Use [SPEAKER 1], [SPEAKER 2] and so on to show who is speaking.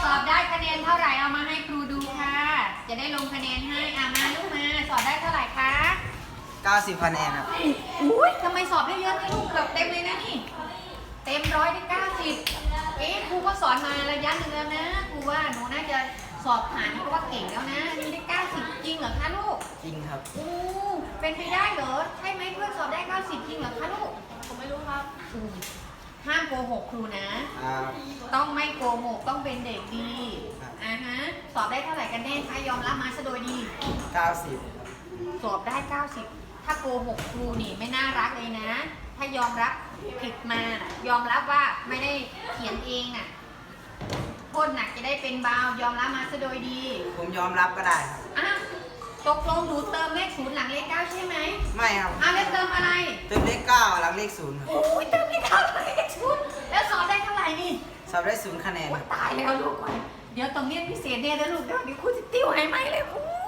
[SPEAKER 1] สอบได้คะแนนเท่าไหร่เอามาให้ครูดูค่ะ จะได้ลงคะแนนให้มาลูกมาสอบได้เท่าไหร่คะ
[SPEAKER 2] 90คะแนนครับ
[SPEAKER 1] อุ้ยทำไมสอบได้เยอะนะลูกเกือบเต็มเลยนะนี่เต็ม100ได้90ครูก็สอนมาระยะหนึ่งแล้วนะครูว่าหนูน่าจะสอบผ่านเพราะว่าเก่งแล้วนะนี่ได้90จริงเหรอคะลูก
[SPEAKER 2] จริงครับ
[SPEAKER 1] เป็นไปได้เหรอใช่ไหมเพื่อนสอบได้90จริงเหรอคะลูกผมไม่รู้ครับห้ามโกหกครูนะ ต้องไม่โกหกต้องเป็นเด็กดี
[SPEAKER 2] ครับ
[SPEAKER 1] สอบได้เท่าไหร่กันแน่คะยอมรับมาซะโดยดี
[SPEAKER 2] 90
[SPEAKER 1] สอบได้90ถ้าโกหกครูนี่ไม่น่ารักเลยนะ ถ้ายอมรับผิดมาน่ะยอมรับว่าไม่ได้เขียนเองน่ะโทษหนักจะได้เป็นเบายอมรับมาซะโดยดี
[SPEAKER 2] ผมยอมรับก็ได้ครับ
[SPEAKER 1] อ่ะตกลงหนูเติมเลข0หลังเลข9ใช่ไหม
[SPEAKER 2] ไม่ครับ
[SPEAKER 1] แล้วเติมอะไร
[SPEAKER 2] เติมเลข9หลังเลข0ครับ
[SPEAKER 1] โอ้ยเติมเลข9หลังเลข0แล้วสอบได้เท่าไหร่นี่
[SPEAKER 2] สอบได้0คะแนน
[SPEAKER 1] โอ้
[SPEAKER 2] ค
[SPEAKER 1] ย
[SPEAKER 2] รับ
[SPEAKER 1] ตายแล้วลูกเดี๋ยวต้องเรียนพิเศษเนี่ยนะลูกเดี๋ยวครูจะติ้วให้ไหมเลย